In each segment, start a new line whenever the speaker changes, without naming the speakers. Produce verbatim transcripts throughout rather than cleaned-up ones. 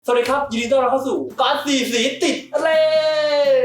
สวัสดีครับยินดีต้อนรับเข้าสู่การ์ดสีสีติดเล่น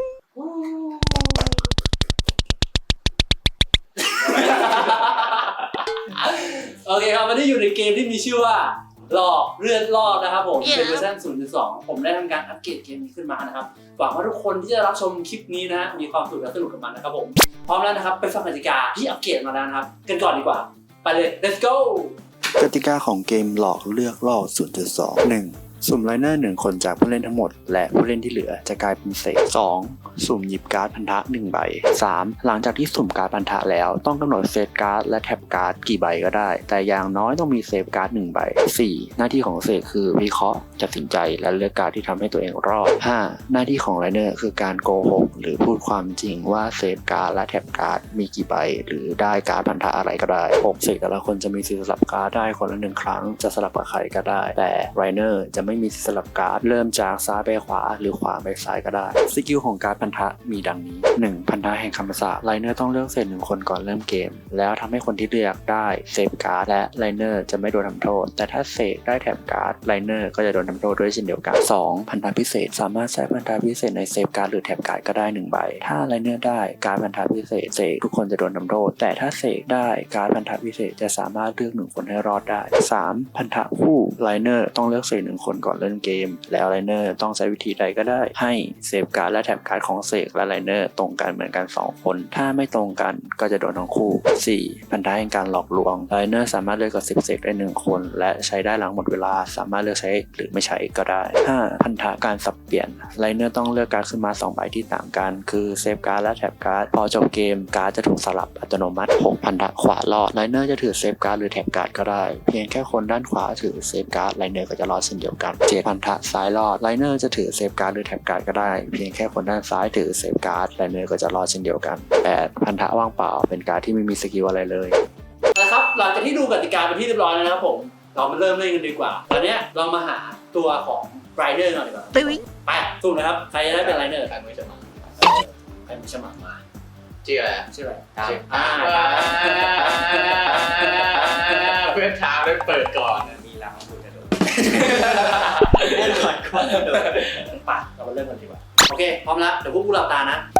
โอเคครับวันนี้อยู่ในเกมที่มีชื่อว่าหลอกเลือดรอดนะครับผมเป็นเวอร์ชัน ศูนย์จุดสอง ผมได้ทำการอัปเกรดเกมนี้ขึ้นมานะครับหวังว่าทุกคนที่จะรับชมคลิปนี้นะมีความสุขและสนุกกับมันนะครับผมพร้อมแล้วนะครับไปฟังกติกาที่อัปเกรดมาแล้วนะครับกันก่อนดีกว่าไปเลย let's go
กติกาของเกมหลอกเลือกล่อ ศูนย์จุดสอง หนึ่ง สุ่มไลเนอร์หนึ่งคนจากผู้เล่นทั้งหมดและผู้เล่นที่เหลือจะกลายเป็นเศษ สอง สุ่มหยิบการ์ดพันธะหนึ่งใบ สาม หลังจากที่สุ่มการ์ดพันธะแล้วต้องกำหนดเซตการ์ดและแท็บการ์ดกี่ใบก็ได้แต่อย่างน้อยต้องมีเซฟการ์ดหนึ่งใบ สี่ หน้าที่ของเศษคือวิเคราะห์ตัดสินใจและเลือกการ์ดที่ทำให้ตัวเองรอด ห้า หน้าที่ของไลเนอร์คือการโกหกหรือพูดความจริงว่าเซฟการ์ดและแท็บการ์ดมีกี่ใบหรือได้การ์ดพันธะอะไรก็ได้ หก เศษแต่ละคนจะมีสิทธิ์สลับการ์ดได้คนละหนึ่งครั้งจะสลับกับใครก็ได้แต่ไรเนอร์จะไม่มีสิทธิ์สลับการ์ดเริ่มจากซ้ายไปขวาหรือขวาไปซ้ายก็ได้สกิลของการ์ดพันธะมีดังนี้ หนึ่ง พันธะแห่งคำสาปไรเนอร์ต้องเลือกเศษหนึ่งคนก่อนเริ่มเกมแล้วทำให้คนที่เลือกได้เซฟการ์ดและไรเนอร์จะไม่โดนทำโทษแต่ถ้าเสกได้แถบการ์ดไรเนอร์ก็จะโดนทำโทษด้วยเช่นเดียวกัน สอง พันธะพิเศษสามารถใช้พันธะพิเศษในเซฟการ์ดหรือแถบการ์ดก็ได้หนึ่งใบถ้าไรเนอร์ได้การ์ดพันธะพิเศษเสกทุกคนจะโดนทำโทษแต่ถ้าเสกได้การ์ดพันธะพิเศษจะสามารถเลือกหนึ่งคนให้รอดได้ สาม พันธะคู่ไรเนอร์ต้องเลือกเศษหนึ่งคนก่อนเล่นเกมแล้วไรเนอร์ต้องใช้วิธีใดก็ได้ให้เซฟการ์ดและแถบการ์ดของเสกและไรเนอร์ตรงกันเหมือนกันสองคนถ้าไม่ตรงกันก็จะโดนทั้งคู่ สี่ พันธะแห่งการหลอกลวงไรเนอร์สามารถเลือกกับสิบเสกได้หนึ่งคนและใช้ได้หลังหมดเวลาสามารถเลือกใช้หรือไม่ใช้ก็ได้ ห้า พันธะการสับเปลี่ยนไรเนอร์ต้องเลือกการ์ดขึ้นมาสองใบที่ต่างกันคือเซฟการ์ดและแถบการ์ดพอจบเกมการ์ดจะถูกสลับอัตโนมัติ หก พันธะขวารอดไรเนอร์จะถือเซฟการ์ดหรือแถบการ์ดก็ได้เพียงแค่คนด้านขวาถือเซฟการ์ดไรเนอร์ก็จะรอดเช่นเดียวกัน เจ็ด พันธะซ้ายรอดไรเนอร์จะถือเซฟการ์ดหรือแถบการ์ดก็ได้เพียงแค่คนด้านซ้ายถือเซฟการ์ดไรเนอร์ก็จะรอดเช่นเดียวกัน แปด พันธะว่างเปล่าเป็นการ์ดที่ไม่มีสกิลอะไรเลย
นะครับหลังจากที่ดูกติกาเป็นที่เรียบร้อยแล้วนะครับผมเรามาเริ่มเล่นกันดีกว่าตอนนี้เรามาหาตัวของไรเนอร์หน่อยดีกว่าไปสู้นะครับใครจะได้เป็นไรเนอร์
ใครมือฉมัง
ใครมือฉมังมา
ชื่ออะไร
ชื่ออะไร
ชื่ออ่าเพื่อนท้าได้เปิดก่อนมีล้างมือกระโดดเล่นก่อนก่อนกระโดด
ไปเรามาเริ่มกันดีกว่าโอเคพร้อมแล้วเดี๋ยวพวกกูหลับตานะ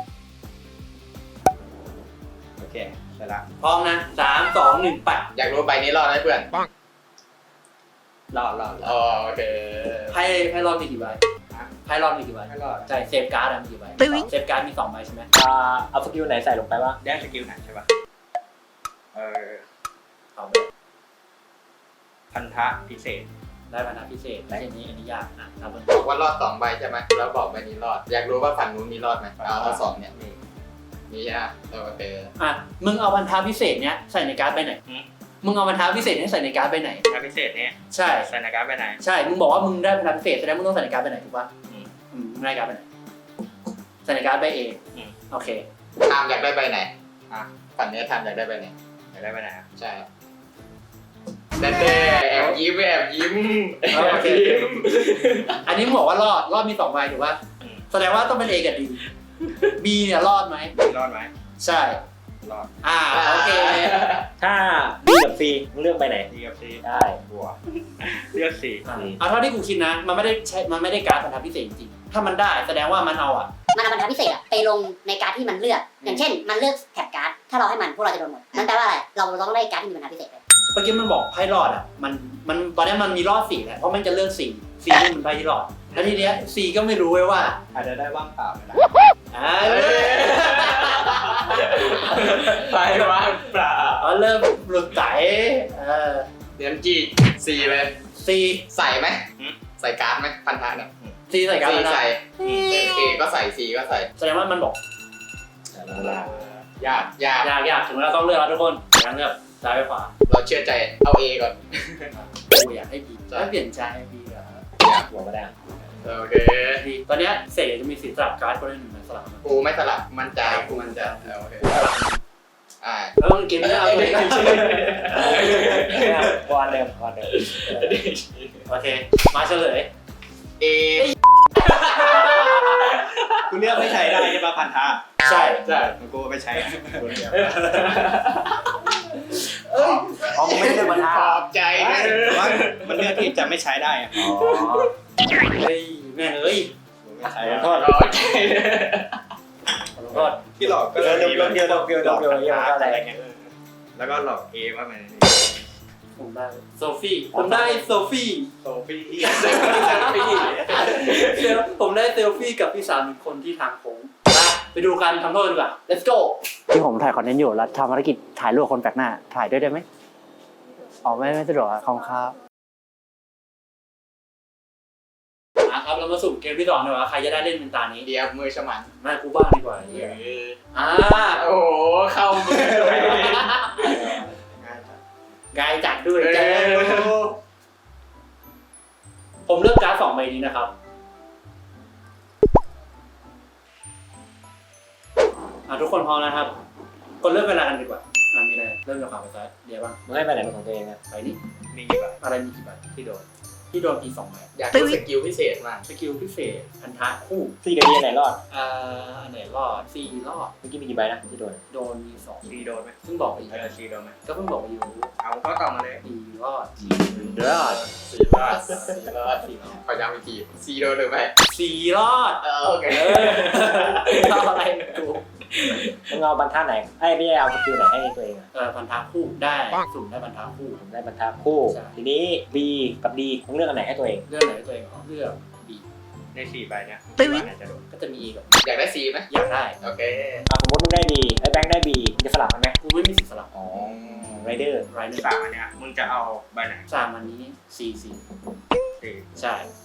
โอเคไปละ
พร้อมนะสามสองหนึ่งไป
อยากรู้ใบนี้รอดไหมเพื่อนรอดรอดอ๋อโอเค
ไพ่ไพ่รอดมีกี่ใบไพ่รอดมีกี่ใบ
ไม่รอด
ใช่เซฟการ์ดมีกี่ใบเซฟการ์ดมีสองใบใช่ไหม
อ่าเอาสกิลไหนใส่ลงไปบ้าง
ได้สกิลไหนใช่ป่ะเออ
เอาไป
พันธะพิเศษ
ได้พันธะพิเศษไม่ใช่นี้อันนี้ยากนะทำ
บอกว่ารอดสองใบใช่ไหมแล้วบอกใบนี้รอดอยากรู้ว่าฝั่งนู้นมีรอดไหมเอาเอาสองเนี่ยมีมีใช่ไหมโอเค
อ่ะมึงเอาพันธะพิเศษเนี้ยใส่ในการ์ดไปไหนมึงเอาพันธะพิเศษนี้ใส่ในการ์ดไปไหน
พันธะพิเศษเนี่ย
ใช่
ใส่ในการ์ดไปไหน
ใช่มึงบอกว่ามึงได้พันธะพิเศษแสดงมึงต้องใส่ในการ์ดไปไหนถูกป่ะอืมมึงได้การ์ดไปไหนใส่ในการ์ดไปเองโอเค
ทามอยากได้ใบไหนอ่ะฝั่งนี้ทามอยากได้ใบไหนอยากได้ใบไหนใช่เต้แอบยิ้มแอบยิ้ม
โอเคอันนี้มึงบอกว่ารอดรอดมีสองใบถูกป่ะแสดงว่าต้องเป็น A กับ D B เนี่ยรอดไหม
รอดไหม
ใช่
รอด
อ่าโอเค
ถ้า B กับ C มึงเลือกไปไหน
D กับ C
ได้
บัวเลือก C
เอาเท่าที่กูคิดนะมันไม่ได้ใช้มันไม่ได้การ์ดพันธะพิเศษจริงถ้ามันได้แสดงว่ามันเอาอ่ะ
มันเอาพันธะพิเศษอะไปลงในการ์ดที่มันเลือกอย่างเช่นมันเลือกแถบการ์ดถ้าเราให้มันพวกเราจะโดนหมดนั่นแปลว่าอะไรเราต้องได้การ์ดที่มีพันธะพิเศษเลย
เมื่อกี้มันบอกไพ่รอดอ่ะมันมันตอนนี้มันมีรอดสี่แหละเพราะมันจะเลือกสี่สี่นี่มันไพ่ที่รอดแล้วทีเนี้ยสี่ก็ไม่รู้ไว้ว่า
อาจจะได้ว่างเปล่านะ
อ่า
ไปว่างเปล่า
อ๋อเริ่มหลุดใจเออ
เดี๋ยวจีซีเลย
ซี
ใส่ไหมใส่การ์ดไหมพันธะเนี่ย
ซีใส่การ์ด
ใส่เอก็ใส่ซีก็ใส่
แสดงว่ามันบอก
ยากยาก
ยากยากถึงเวลาต้องเลือกแล้วทุกคนยังเลือกซ้ายไปขวา
เราเชื่อใจเอาเอก่อน
กูอยากให้บีถ้าเปลี่ยนใจให้บีเหรอ
อยาก
หัวมาได้
โอเค
ตอนนี้เสกจะมีสีสลับการ์ดคนละหนึ่งสลับ
กูไม่สลับมันใจกูมันใจโอเคอ่า
แล้วมึงกินไม่เอาเลย
วันเดิมวันเดิม
โอเคมาเฉลย
เอ
กูเลือกไม่ใช้ได้ใช่ป่ะพันธะ
ใช่
ใช่
กูไม่ใช้กูเลือก
เอ้ย
อ๋อไม่ได้พันธะ
ขอบใจ
ว่ามันเลือกที่จะไม่ใช้ได้อ๋อ
แม่งเอ้ย
ใช่
ขอ
ค
โท
รับ
ษ
ขอโทษ
ที่หลอกก็
เดี๋ยวเดี๋ยวเดี๋ยวเดี๋ยวเดี๋ยวเดี๋ยวเดี๋ยวเดี๋ยว
อะไรเงี้ยแล้วก็หลอกเอว่ามัน
ผมได้โซฟี่ผมได้โซฟี่
โซฟี่
เซลฟี่
เซลผมได้เซลฟี่กับพี่สาวหนึ่งคนที่ทางโค้งไปไปดูการทำโทษดีกว่า let's go
ที่ผมถ่ายคอนเทนต์อยู่แล้วทำภารกิจถ่ายรูปคนแปลกหน้าถ่ายด้วยได้ไหมอ๋อไม่ไม่สะดวกครับขอบคุณครับ
อ่ะครับเรามาสุ่มเกมที่สองดีกว่าใครจะได้เล่นเป็นตานี้
เดียวมือฉมัน
มากูบ้างดีกว่าไอ้เหี้ยอ่า
โอ้โหเข้ามือเลย
กายจัดด้วยแกผมเลือกการ์ดสองใบนี้นะครับอ่ะทุกคนพร้อมนะครับกดเริ่มเวลากันดีกว่าอ่ะมีอะไรเริ่มจากข่าวไปซ้ายเดี๋ยวบ้าง
มึงให้ไปไหนเป็นของตัวเองอะ
ไปนี่
มีกี่ใบ
อะไรมีกี่ใบที่โดนที่โดนอีกสองใบ
อยากดูสกิลพิเศษมาก
สกิลพิเศษพันธะคู่
สี่กับดีไหนรอด
อ่าอันไหนรอดสี่รอด
เมื่อกี้มีกี่ใบนะที่โดน
โดนมีสอง
สี่โดนไหม
ซึ่งบอกไปอยู่
เออสี่โดนไหม
ก็เพิ่งบอกไปอยู่
เอาข้อต่อมาเลย
สี่รอด
รอด
สี่รอดสี่รอด
สี่รอด
ขอย้ำอีกทีซีโดนหรือไม่
สี่รอด
เออโอเค
เออเอาอะไรกู
มึงเอาบรรทัดไหนไอ้พี่เอาสกิลไหนให้ตัวเองอะ
เออพันธะคู่ได้สุ่มได้พันธะคู่
ผมได้บรรทัดคู่
ใช่
ทีนี้ B กับ D มึงเลือกอันไหนให้ตัวเอง
เรื่องไหนตัวเองเอาเลือกบี
ในสี่ใบเนี้ยคิดว่าไหนจะโดน
ก็จะมี A กับ
อยากได้ซีไหม
อยากได้
โอเค
อ่ะสมมติมึงได้ D ไอ้แบงค์ได้ B มึงจะสลับกันไหม
กูไม่มีสิทธิ์สลับ
อ๋อไรเดอร์
ไรหนึ่ง
สามอันเนี้ยมึงจะเอาใบไหน
สามอันนี้สี่สี่
สี่
ใช่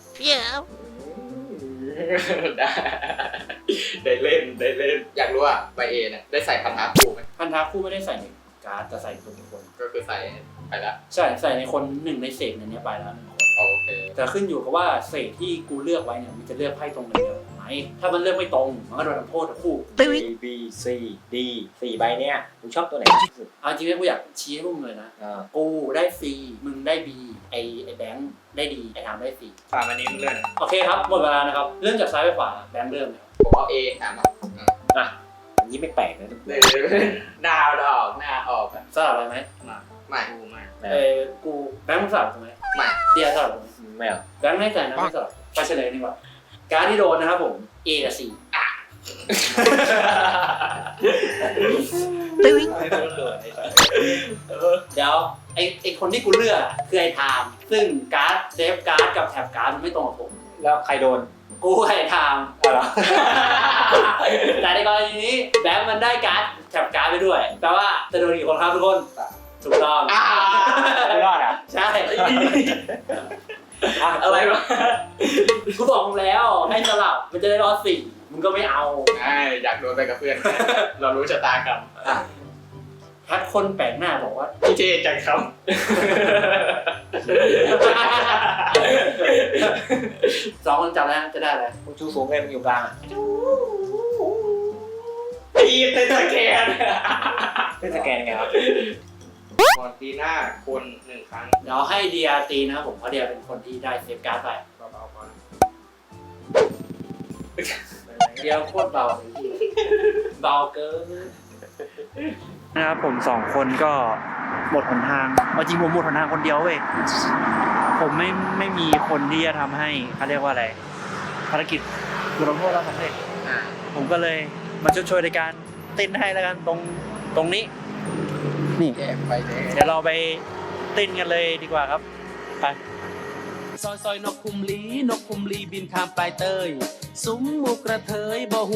ได้ได้เล่นได้เล่น อยากรู้ว่าใบเอเนี่ยได้ใส่พันธะคู่ไหม
พันธะคู่ไม่ได้ใส่ในการ์ดแต่ใส่ตัวบุคคล
ก็คือใส่ไปแล้ว
ใช่ใส่ในคนหนึ่งในเศษในนี้ไปแล้วหนึ่งคน
โอเค
แต่ขึ้นอยู่กับว่าเศษที่กูเลือกไว้เนี่ยมันจะเลือกไพ่ตรงเดียวไหมถ้ามันเลือกไม่ตรงมันก็โดนทำโทษทั้งคู่
A B C D สี่ใบเนี้ยมึงชอบตัวไหนที่สุด
เอาจริงๆกูอยากชี้ให้พวกมึงเลยนะ
อ่า
กูได้ C มึงได้ B ไอไอแบงค์ได้ D ไอทามได้ C
สามอันนี้มึงเลือก
โอเคครับหมดเวลานะครับเริ่มจากซ้ายไปขวาแบงค์เริ่มเลยครับ
ผมเอาเอถามมา
อ่ะอันนี้ไม่แปลกนะทุกคน
หน้าออกหน้าออกอะ
สลับไปไหม
ไม่
กูไม่
เออกูแบงค์มึงสลับถูกไหม
ไม่
เดียสลับถูกไหม
ไม่เอา
แบงค์ให้ใจนะไม่สลับไปเฉลยดีกว่าการดที่โดนนะครับผม A กับ C อ่ะ
ไม่ต้องเลือกไอ้สัส
เดี๋ยวไอไอคนที่กูเลือกอะคือไอไทม์ซึ่งการ์ดเซฟการ์ดกับแท็บการ์ดมันไม่ตรงกับผม
แล้วใครโดน
กูไอไทม์
อ๋อเหรอ
แต่ในกรณีนี้แบงค์มันได้การ์ดแท็บการ์ดไปด้วยแปลว่าจะโดนกี่คนครับทุกคนถูกต้อง
อ่า
ไม่รอดอ่ะ
ใช่
อ่ะ
อะไรวะ
กูบอกมึงแล้วให้สลับมันจะได้รอดสี่มึงก็ไม่เอา
ใช่อยากโดนไปกับเพื่อน เรารู้ชะตากรรม
ถ้าคนแปลกหน้าบอกว่า
พี่เจจังครับ
สองคนจับแล้วจะได้อะไร
มึงชูสูงเลยมึงอยู่กลางอ่ะ
ตีเต้นสแกน
เล่นสแกนยังไงครับมอนตีหน้าคนหนึ่งครั้ง
เดี๋ยวให้เดียตีนะครับผมเพราะเดียเป็นคนที่ได้เซฟการ์ดไป
เบาๆก่อน
เดียวโคตรเบาเลยพี่เบาเกิน
นะครับผมสองคนก็หมดหนทางเอาจริงผมหมดหนทางคนเดียวเว้ยผมไม่ไม่มีคนที่จะทำให้เขาเรียกว่าอะไรภารกิจบทลงโทษเราสำเร็จผมก็เลยมาช่วยช่วยในการเต้นให้แล้วกันตรงตรงนี้นี่
แยกไปแยก
เดี๋ยวเราไปเต้นกันเลยดีกว่าครับไป
ซอยซอยนกคุมลีนกคุมลีบินข้ามปลายเตยซุ้มหมูกระเทยบ่หู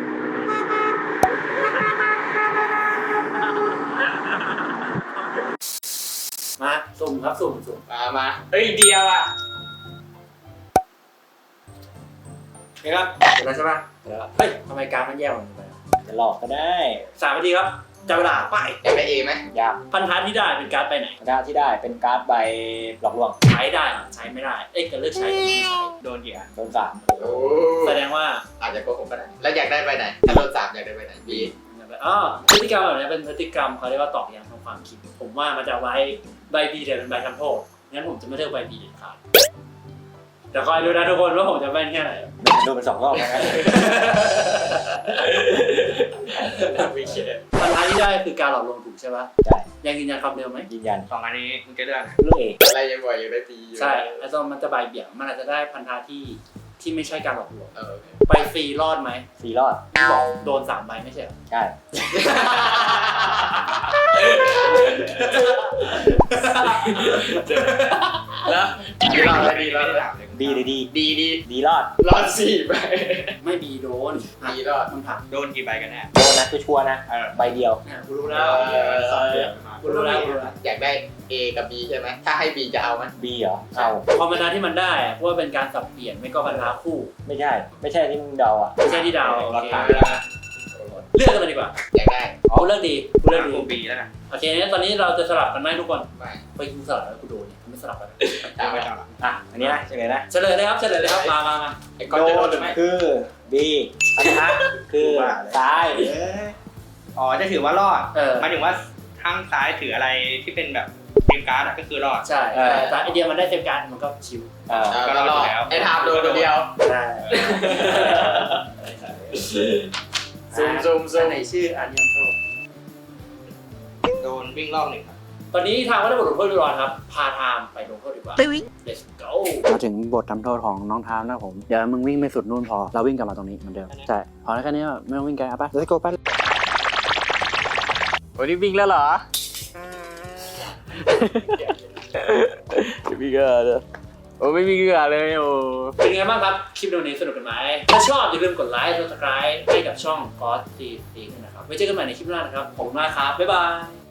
มาสุ่มครับสุ่มสุ่ม
มามาเฮ้ยเดียวอ่ะ
เห็นครับเห็นแล้วใช่ไหมเห็นแล้วเฮ้ยทำไมการดมันแย่กว่านี้ไป
จะหลอกก็ได้
สามนาทีครับจับเวลาไป
อยากได้เอไหม
ยาก
พันธะที่ได้เป็นการ์ดไปไหน
การดที่ได้เป็นการ์ดใบหลอกลวง
ใช้ได้เหรอใช้ไม่ได้เอ้ยจะเลือกใช้หรือไม่ใช้
โดนกี่อันโดนสาม
โอ้
แสดงว่า
อาจจะโกหกก็ได้แล้วอยากได้ไปไหนถ้าโดนสามอยากได้ไปไหนบี
อ๋อพฤติกรรมแบบนี้เป็นพฤติกรรมเขาเรียกว่าตอกย้ำทางความคิด ผมว่ามันจะไว้ใบบีเดี๋ยวเป็นใบทำโทษงั้นผมจะไม่เลือกใบบีเด็ดขาดแต่คอยดูนะทุกคนว่าผมจะแม่นแค่ไหน
โดนไปสองรอบแล้วกัน
ไม่เชื่อ
พันธะที่ได้คือการหลอกลวงถูกใช่ปะ
ใช่
ยังยืนยันคำเดิมไหม
ยืนยัน
สองอันนี้มึงจะเลือก
เลือกเอง
อะไรยังบ่อยอยากได้บีอยู่
ใช่ไอ้ตอนมันจะใบเบี่ยงมันอาจจะได้พันธะที่ที่ไม่ใช่การหลอกลวง
เออ
ไปฟรีรอดไหม
สี่รอด
บอกโดนสามใบไม่ใช่เหรอ
ใช่
แล้วดีรอดเลยดีรอดเลย
ดีดีดี
ดีดี
ดีรอด
รอดสี่ไป
ไม่บีโดน
ดีรอด
มันผัก
โดนกี่ใบกันแน่
โดนนะคือชัวร์นะใบเดียว
เนี่ยกูรู้แล้ว
เออ
กูรู้แล้วกูรู้แล้ว
อยากได้ A กับ B ใช่ไหมถ้าให้ B จะเอาไหม
B เหรอเอา
คอมมานดาที่มันได้อะเพราะว่าเป็นการสับเปลี่ยนไม่ก็พันธะคู่
ไม่ใช่ ไม่ใช่ที่มึงเดาอ่ะ
ไม่ใช่ที่ดาวโอ
รอด
เค
ตาย
เลือกกันเลยดีกว่า
อยากได้
กูเลือกดีกูเลือกดี
กูปีแล้วนะ
โอเคงั้นตอนนี้เราจะสลับกันไหมทุกคน
ไม่
ไปกูสลับแล้วกูโดนเนี่ยกูไม่สลับกัน
เอาไป
ไม่ต้องหรอก
อ่ะ อันนี้นะเฉลยนะ
เฉลยเลยครับเฉลยเลยครับมามามา
ไอ้ก้อนจะโดนหรือไม่
คือ B พันธะคือซ้าย
เอ้ยอ๋อ จะถือว่ารอด
เออ
หมายถึงว่าข้างซ้ายถืออะไรที่เป็นแบบเกมการ์ดอะก็คือรอด
ใช่แต่ไอเดียมันได้เซฟการ์ดมันก็ชิว
เออ
ก็รอดไอ้ทามโดนตัวเดียว
ใช่
ซูมซูมซู
อัน
ม
ไหนชื่ออันยังโทษ
โดนวิ่งรอบหนึ่งครับ
ตอนนี้ทางก็ได้บทลงโทษเรียบร้อยครับพาทามไปลงโทษดีกว่า let's go
มาถึงบททำโทษของน้องทามนะครับผม เดี๋ยวมึงวิ่งไม่สุดนู่นพอ เราวิ่งกลับมาตรงนี้เหมือนเดิม ใช่ พอแล้วแค่นี้ไม่ต้องวิ่งไกลเอาไป let's go ไป
วันนี้วิ่งแล้วเหรอ วิ่งก็เลยโอ้ไม่วิ่งก็เลยโอ้
เป็นไงบ้างครับ คลิปวันนี้สนุกกันไหม ถ้าชอบอย่าลืมกดไลค์ subscribe ให้กับช่อง God ซี ซี นะครับ ไว้เจอกันใหม่ในคลิปหน้านะครับ ขอบคุณมากครับ บ๊ายบาย